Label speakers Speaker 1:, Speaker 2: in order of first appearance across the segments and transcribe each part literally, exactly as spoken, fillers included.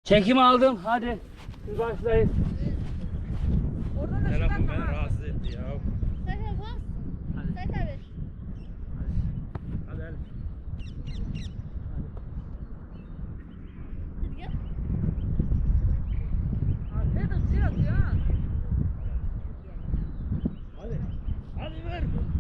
Speaker 1: Çekim aldım. Hadi. Siz başlayın.
Speaker 2: Oradan da
Speaker 3: Telefon
Speaker 2: şuradan
Speaker 3: beni
Speaker 2: daha.
Speaker 3: rahatsız etti ya.
Speaker 4: Zaten bas.
Speaker 1: Hadi.
Speaker 4: Zaten ver.
Speaker 3: Hadi hadi.
Speaker 4: Hadi gel.
Speaker 2: Arkaya da şey atıyor ha.
Speaker 3: Hadi. Hadi ver.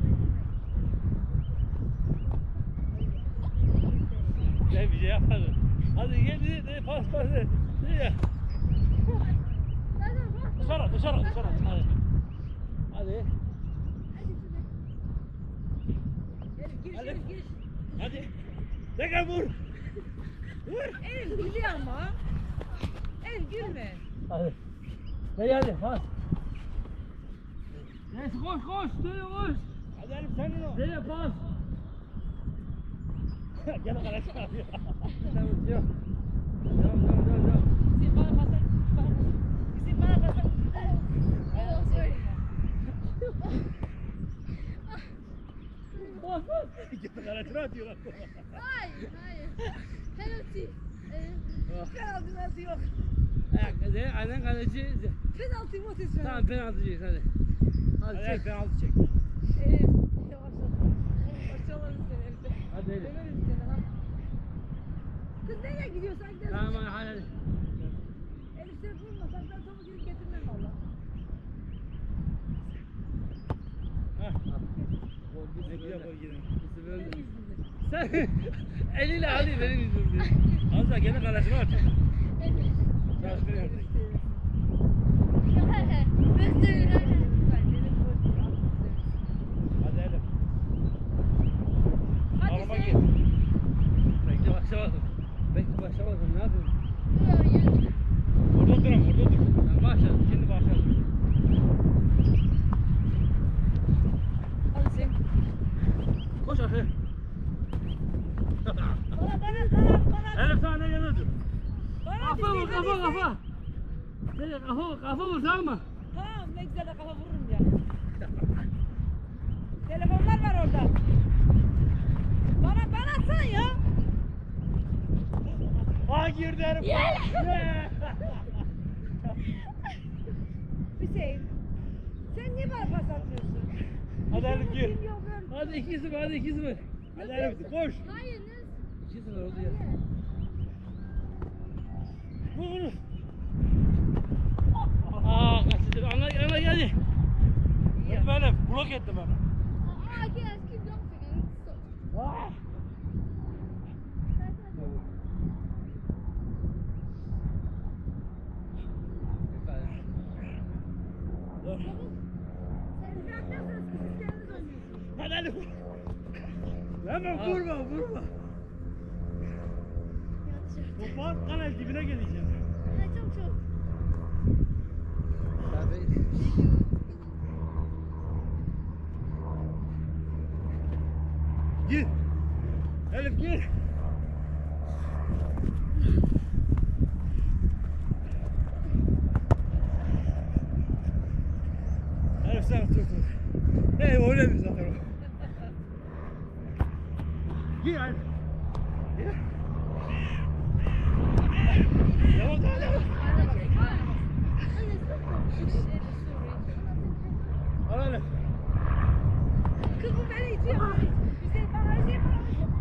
Speaker 3: Ne bir şey yapmadın. Hadi gel de pas pas et. Ya.
Speaker 4: Zaten bas.
Speaker 3: Dışarı dışarı dışarı. Hadi. Hadi.
Speaker 2: Elif giriş
Speaker 3: Hadi.
Speaker 2: Elif giriş.
Speaker 3: Hadi. Tekrar vur. Vur.
Speaker 2: Elif gülüyor ama. Elif gülme.
Speaker 1: Hadi. Hadi hadi. Bas. Neyse koş koş. Söyle koş.
Speaker 3: Hadi Elif senin o.
Speaker 1: Nereye pas?
Speaker 3: Gel kaleci abi.
Speaker 1: Tamam yok. Devam devam devam devam.
Speaker 2: Bizim bana basar. Bizim bana basar.
Speaker 4: Oh, sorry.
Speaker 1: Bas bas.
Speaker 3: Gel kaleci atıyor bak.
Speaker 4: Hayır, hayır. Penalty. Ee,
Speaker 2: Penaltı penaltı yok.
Speaker 1: Ayak hadi. Aynen kaleci.
Speaker 2: Penaltı mı atıyorsun?
Speaker 1: Tamam penaltıcıyız hadi. Hadi
Speaker 3: Hadi
Speaker 1: çek.
Speaker 3: penaltı çek.
Speaker 2: Elif yavaş ol. Başlayalım seni Elif'te.
Speaker 1: Hadi Elif.
Speaker 2: Döverim seni ha. Kız nereye gidiyorsan gidelim.
Speaker 1: Tamam hadi hadi.
Speaker 2: Elif seni vurmasan ben topu gidip getirmem valla.
Speaker 3: Hah.
Speaker 1: Gol
Speaker 3: Ne
Speaker 1: bir
Speaker 3: güzel
Speaker 1: böyle.
Speaker 3: gol girin.
Speaker 1: Bizi böyle.
Speaker 2: Benim yüzümden.
Speaker 1: Sen eliyle alayım benim yüzümden.
Speaker 3: Az daha gene kalesini atıyor. Çalıştırıyor artık.
Speaker 4: ben söylüyorum.
Speaker 3: Hadi Elif.
Speaker 2: Hadi
Speaker 3: Arama
Speaker 2: sen.
Speaker 3: gir.
Speaker 1: Bekle başlamadım. Bekle başlamadım. Ne yapayım?
Speaker 4: Hayır.
Speaker 3: Orada dur ama orada dur.
Speaker 1: Ben başladım.
Speaker 3: Şimdi başladı.
Speaker 2: Hadi sen.
Speaker 1: Koş aşağı.
Speaker 2: Bana bana bana bana.
Speaker 3: Elif sana ne geliyordu?
Speaker 2: Bana
Speaker 1: Kafa vur
Speaker 2: dizeyim,
Speaker 1: kafa
Speaker 2: hadi sen.
Speaker 1: kafa. Nereye kafa vur kafa vur tamam mı?
Speaker 2: Tamam ne güzel de kafa vururum ya. Telefonlar var orada. Bana bana atsan ya.
Speaker 3: Aa girdi Elif. Yeah.
Speaker 2: Hüseyin. Sen niye bana pas atmıyorsun?
Speaker 3: Hadi Elif gir.
Speaker 2: Kim yok ben.
Speaker 1: Hadi iki sıfır hadi iki sıfır.
Speaker 3: Hadi Elif koş.
Speaker 4: Hayır. ne-
Speaker 1: iki sıfır oldu ya.
Speaker 3: Vur vur.
Speaker 1: Aa kaçtı. Ana ana geldi.
Speaker 3: Vurdum Elif. Blok ettim ben.
Speaker 4: Aa, gel. Keep jumping. Stop.
Speaker 3: Ah. Dur.
Speaker 2: Sen bırakmazsanız siz kendiniz oynuyorsunuz.
Speaker 3: Hadi Elif. Hemen
Speaker 1: Aa.
Speaker 3: vurma vurma.
Speaker 4: Yanlış.
Speaker 3: Topu kanal dibine geleceğim.
Speaker 4: Ay, çok çok.
Speaker 3: Gir. Elif gir. Elif sen tut tut. Hey öyle mi zaten o? Gir Elif. Gir. Devam devam devam. Al Elif.
Speaker 2: Kız bu beni itiyor. Hüseyin bana Hüseyin bana.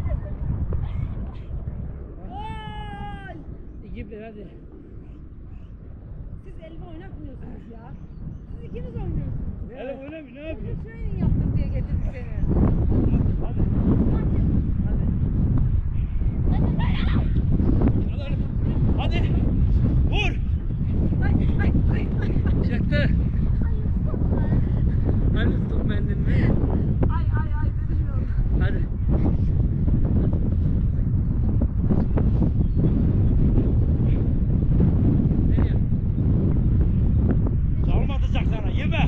Speaker 2: Gol!
Speaker 1: İki bir hadi.
Speaker 2: Siz elimi oynatmıyorsunuz ya. Siz ikiniz oynuyorsunuz.
Speaker 3: Elif öyle mi? Ne
Speaker 2: Ben
Speaker 3: yapıyorsun?
Speaker 2: de training yaptım diye getirdim seni.
Speaker 3: Hadi. Hadi Elif. Hadi. Vur.
Speaker 2: Ay ay ay ay.
Speaker 1: Çıktı. Hadi stop mendil mi?
Speaker 2: Ay ay ay dedim ya.
Speaker 1: Hadi. Nereye?
Speaker 3: Çalım atacak sana. Yeme.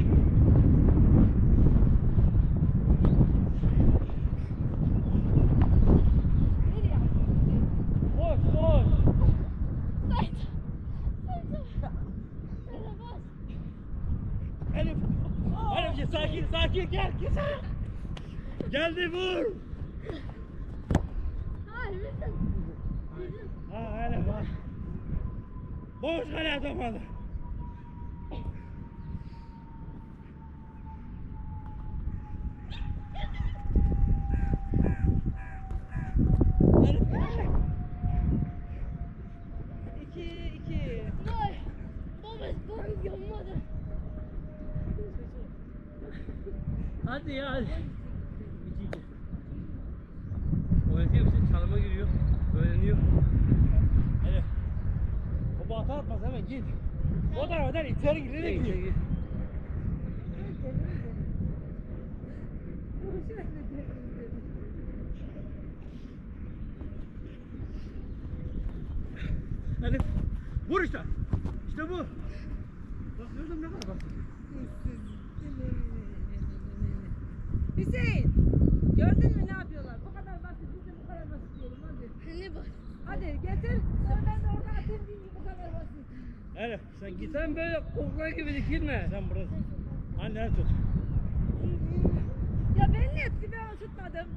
Speaker 2: Nereye yaptın?
Speaker 3: Koş koş.
Speaker 4: Sayın. Sayın. Sayın, bas.
Speaker 3: Elif. Elif gel sakin sakin gel gel. Geldi vur.
Speaker 4: Hayır, bizim. Bizim.
Speaker 3: Ha Elif ha. Boş kale atamadı.
Speaker 2: İki, iki.
Speaker 4: Vay. Baba baba yanmadı.
Speaker 1: Hadi ya hadi. İki iki. Oynatıyor musun? Çalıma giriyor. Öğreniyor.
Speaker 3: Hadi. O bata atmaz hemen git. O tarafa der içeri gir. Nereye
Speaker 1: Gel, gel,
Speaker 3: gidiyor?
Speaker 1: gel.
Speaker 3: Hadi. Vur işte. İşte bu. Bak gördün ne kadar basit.
Speaker 2: Hüseyin, gördün mü ne yapıyorlar? Bu kadar basit, biz de bu kadar basit diyelim hadi.
Speaker 4: Ne bak.
Speaker 2: Hadi getir, sonra ben de orada atayım diyeyim bu kadar basit.
Speaker 3: Hadi sen git.
Speaker 1: Sen böyle koklar gibi dikilme.
Speaker 3: Sen burası. Annen tut.
Speaker 2: Ya ben ne ettim, ben onu tutmadım.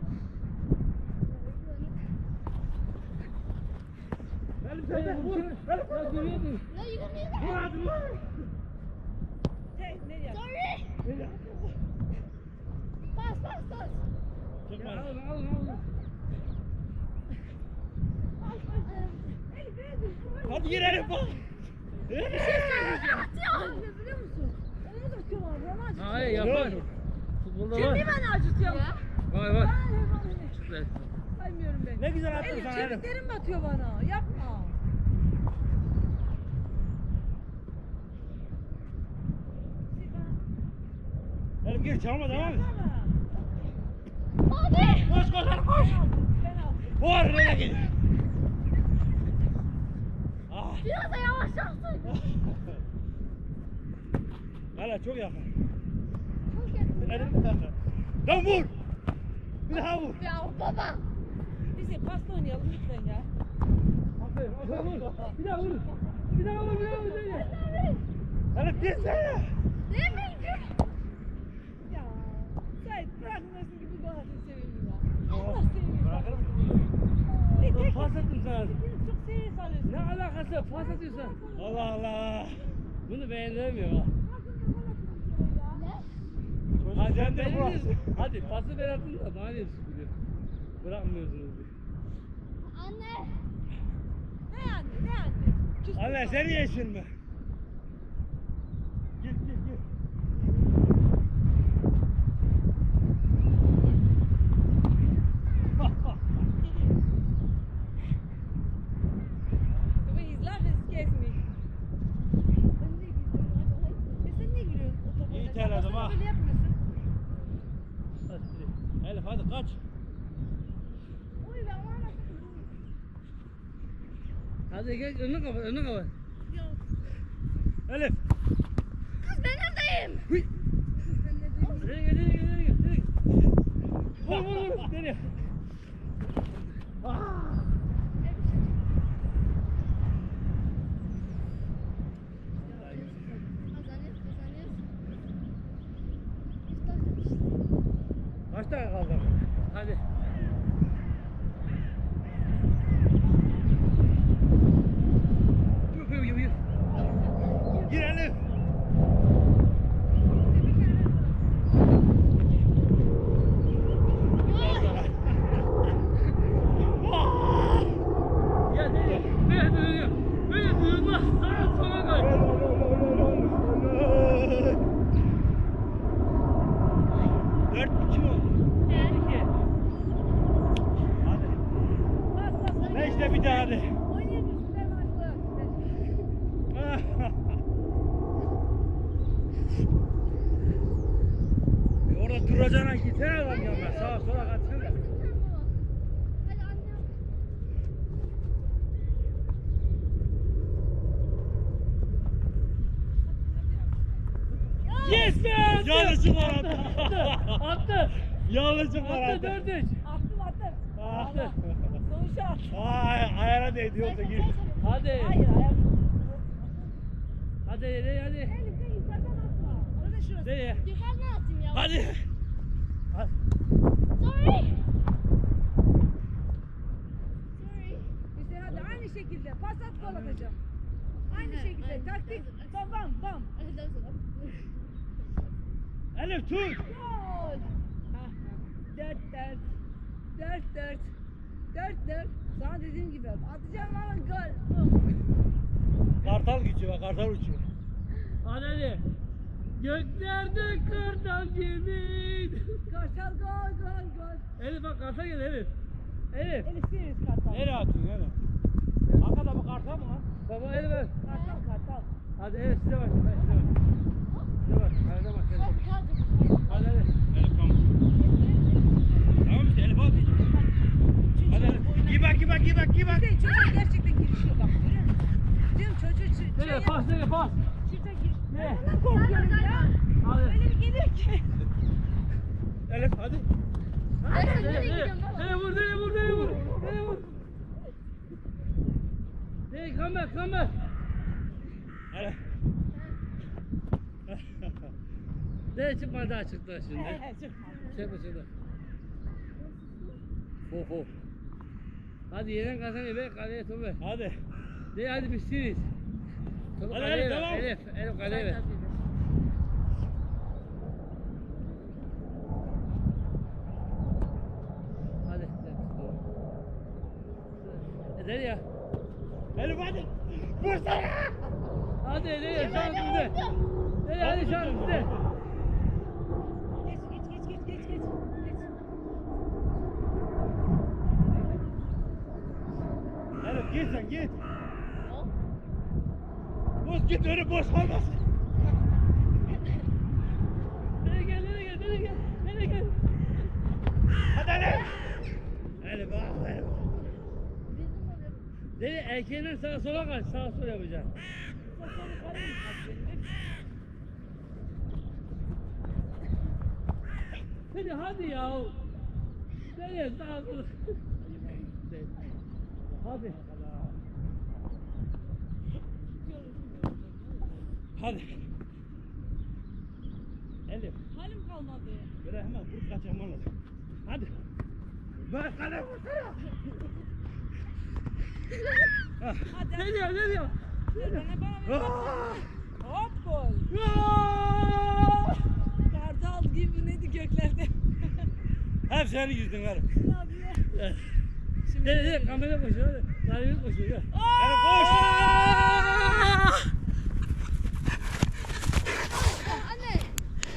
Speaker 3: Benim sen vur. Benim.
Speaker 1: Ya görüyordun.
Speaker 4: Ne yürü
Speaker 3: Vur hadi vur.
Speaker 2: Hey, ne yap?
Speaker 4: Sorry. Bas bas bas.
Speaker 3: Çıkma.
Speaker 1: Ya alın alın alın.
Speaker 2: Elif, Elif, bu
Speaker 3: Hadi gir Elif bak.
Speaker 2: Ne biliyor musun? Onu da atıyorlar, bana acıtıyor.
Speaker 1: Hayır yapar. Futbolda
Speaker 2: Şimdi
Speaker 1: var.
Speaker 2: bana acıtıyor.
Speaker 4: Ya.
Speaker 1: Var var.
Speaker 2: Ben hep onu
Speaker 1: Güzel.
Speaker 2: saymıyorum ben.
Speaker 3: Ne güzel attın
Speaker 2: Elif,
Speaker 3: sana Elif.
Speaker 2: çeviklerim batıyor bana, yapma.
Speaker 3: Elif gir çalma devam et.
Speaker 2: Yapsana.
Speaker 4: Hadi.
Speaker 3: Koş koş hadi koş.
Speaker 2: Ben aldım.
Speaker 3: Vur nereye gidiyor? Ah.
Speaker 4: Biraz da yavaş yapsın.
Speaker 3: Hala çok yakın.
Speaker 4: Çok yakın.
Speaker 3: Elif bir tane. Lan vur. Bir daha vur.
Speaker 4: Ya baba.
Speaker 2: Biz de pasta oynayalım lütfen ya.
Speaker 1: Aferin aferin vur. Bir daha vur. Bir daha vur bir daha vur. Bir daha vur.
Speaker 3: Elif girsene.
Speaker 4: Ne bileyim.
Speaker 2: Ya. Sait bırakmıyorsun gibi bu kadar seviyorum ya. Allah seviyorum.
Speaker 3: Bırakır mısın?
Speaker 2: Ne
Speaker 1: Dur
Speaker 2: tek
Speaker 1: pas attım sana.
Speaker 2: Beni çok seriye salıyorsun.
Speaker 1: Ne alakası var? Pas atıyorsun.
Speaker 3: Allah Allah.
Speaker 1: Bunu beğendiremiyor ha.
Speaker 4: Ne?
Speaker 3: Hadi sen de
Speaker 1: Benim
Speaker 3: burası.
Speaker 1: de- Hadi pası ben attım da bana niye sıkılıyor? Bırakmıyorsunuz diye.
Speaker 4: Anne.
Speaker 2: Ne anne ne anne? Küstüm
Speaker 3: Anne
Speaker 2: ben.
Speaker 3: seni yeşil mi? Git git git.
Speaker 2: Du willst lachen, es geht mich.
Speaker 4: Ben de gidiyorum. Hadi hadi.
Speaker 2: Ya sen niye gülüyorsun o topu?
Speaker 3: İyi
Speaker 2: Sen
Speaker 3: terledim
Speaker 2: basana
Speaker 3: ha.
Speaker 2: Böyle yapmıyorsun.
Speaker 3: Hadi gidelim. Elif hadi kaç.
Speaker 4: Uy ben var nasıl?
Speaker 1: Hadi gel önünü kapat önünü kapat.
Speaker 2: Ya
Speaker 3: Elif.
Speaker 4: Kız ben neredeyim?
Speaker 2: ben ne diyeyim?
Speaker 1: Nereye gel nereye gel nereye gel. Nereye gel. Vur vur vur. Nereye? Ah.
Speaker 4: Kazanıyoruz kazanıyoruz.
Speaker 3: Kaç tane kaldı?
Speaker 1: Hadi. Yürü yürü yürü.
Speaker 3: Gir Elif.
Speaker 1: Ya nereye? Böyle dönüyor. Böyle dönüyor. Sağa sola koy.
Speaker 3: Dört iki mi oldu?
Speaker 1: İki.
Speaker 3: Hadi.
Speaker 2: Bas bas.
Speaker 3: Ne işte bir daha hadi.
Speaker 2: Oynayamıyorsun ben başlıyorum.
Speaker 3: E orada duracağına gitsene adam yanına. Sağa sola kaçsana.
Speaker 4: Hadi anne.
Speaker 1: Yes be!
Speaker 3: Yanlışlıkla
Speaker 1: Attı.
Speaker 3: attı.
Speaker 1: Attı. Attı.
Speaker 3: Yanlışlıkla
Speaker 1: Attı
Speaker 3: attı.
Speaker 1: dört üç.
Speaker 2: Attım attım.
Speaker 3: Attı.
Speaker 2: Sonuçta attım.
Speaker 3: Ay, ayağına değdi yoksa gir.
Speaker 1: Hadi.
Speaker 2: Hayır ayak.
Speaker 1: Hadi nereye hadi.
Speaker 2: Elif de yukarıdan atma. Orada şurası.
Speaker 1: Nereye?
Speaker 4: Yukarıdan atayım ya.
Speaker 3: Hadi. Hadi.
Speaker 4: Sorry. Sorry.
Speaker 2: İşte hadi aynı şekilde pas at gol atacağım. Aynı şekilde. işte taktik. Bam bam bam.
Speaker 3: Elif tut.
Speaker 2: Gol. Ah, dört dört. Dört dört. Dört dört. Sana dediğim gibi atacağım ama gol.
Speaker 3: Kartal geçiyor bak, kartal uçuyor.
Speaker 1: Hadi hadi. Göklerde kartal gibi.
Speaker 2: Kartal gol gol gol.
Speaker 1: Elif bak kartal gel Elif. Elif.
Speaker 2: Elif Sirius kartal.
Speaker 3: Nereye atıyorsun Elif? Arkada bu kartal mı lan?
Speaker 1: Baba Elif ver.
Speaker 2: Kartal kartal.
Speaker 1: Hadi Elif size bak. Size bak. Size bak. Hadi bak. Hadi hadi.
Speaker 3: Elif tamam. Tamam işte Elif hadi. Hadi Elif. Gir bak, gir bak, gir bak, gir bak.
Speaker 2: Hüseyin çocuğa gerçekten girişiyor bak görüyor musun? Diyorum çocuğu çı- şey
Speaker 1: Nereye
Speaker 2: yap-
Speaker 1: pas nereye pas.
Speaker 2: Şurada gir.
Speaker 1: Ne?
Speaker 2: Ben ondan korkuyorum ya.
Speaker 1: Hadi.
Speaker 2: Öyle bir geliyor ki.
Speaker 3: Elif hadi.
Speaker 1: Nereye nereye? Nereye vur nereye vur nereye vur. Nereye vur. Nereye come back come back.
Speaker 3: Elif.
Speaker 1: Nereye çıkmadı daha çıktı şimdi.
Speaker 2: He he çıkma.
Speaker 1: Çıkma çıkma. Ho ho. Hadi yenen kazanıyor be kaleye topu ver.
Speaker 3: Hadi.
Speaker 1: De hadi biz siriz. Topu
Speaker 3: Hadi,
Speaker 1: kaleye
Speaker 3: hadi,
Speaker 1: ver.
Speaker 3: devam.
Speaker 1: Elif, Elif kaleye ver. Hadi. Eder ya.
Speaker 3: Elif hadi. Vursana.
Speaker 1: Hadi Eder ya şans bizde. Eder hadi şans bizde.
Speaker 2: Geç geç geç geç geç geç. Geç.
Speaker 3: Elif git sen git. Boş git öyle boş kalmasın.
Speaker 1: Nereye gel nereye gel nereye gel. Nereye gel.
Speaker 3: Hadi Elif. Elif ah Elif.
Speaker 1: Nereye erkeğinden sağa sola kaç. Sağa sola yapacaksın. Hadi hadi ya. Nereye sağa sola. Hadi.
Speaker 3: Hadi. Elif.
Speaker 2: Halim kalmadı.
Speaker 3: Böyle hemen vurup kaçırman lazım. Hadi. Ben kale vursana. Ah.
Speaker 2: Hadi.
Speaker 1: Ne diyor ne diyor?
Speaker 2: Ver bana bana ver.
Speaker 3: Ah.
Speaker 2: Hop gol.
Speaker 1: Aa!
Speaker 2: Kartal gibi neydi göklerde.
Speaker 3: Hep senin yüzünden Elif.
Speaker 2: Ne yapıyor?
Speaker 1: Ne ne kamera koşuyor hadi. Kalbimiz koşuyor.
Speaker 3: Elif koş.
Speaker 1: Aa!